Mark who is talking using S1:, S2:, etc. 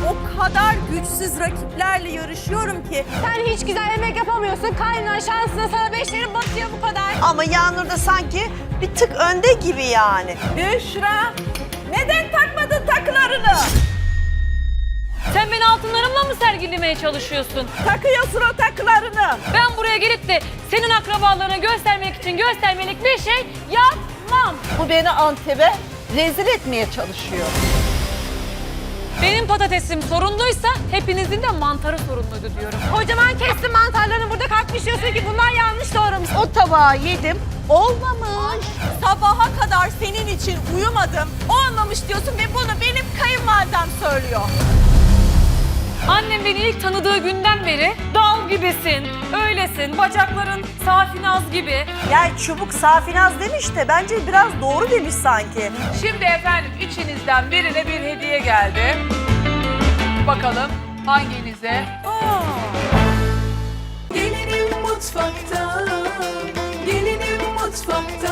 S1: o kadar güçsüz rakiplerle yarışıyorum ki.
S2: Sen hiç güzel yemek yapamıyorsun. Kaynan şansına sana 5'lerin batıyor bu kadar.
S3: Ama Yağnur da sanki bir tık önde gibi yani.
S1: Büşra, neden takmadın takılarını?
S4: Sen beni altınlarımla mı sergilemeye çalışıyorsun?
S1: Takıyorsun o takılarını.
S4: Ben buraya gelip de senin akrabalarına göstermek için göstermelik bir şey yapmam.
S1: Bu beni Antep'e rezil etmeye çalışıyor.
S4: Benim patatesim sorunluysa hepinizin de mantarı sorunluydu diyorum.
S2: Kocaman kestin mantarlarını burada kalkmış diyorsun ki bunlar yanlış doğramış.
S1: O tabağı yedim, olmamış. Sabaha kadar senin için uyumadım, olmamış diyorsun ve bunu benim kayınvalidem söylüyor.
S4: Annem beni ilk tanıdığı günden beri dal gibisin, öylesin, bacakların safinaz gibi.
S3: Yani çubuk safinaz demiş de bence biraz doğru demiş sanki.
S5: Şimdi efendim içinizden birine bir hediye geldi. Bakalım hanginize?
S6: Gelinim mutfakta, gelinim mutfakta.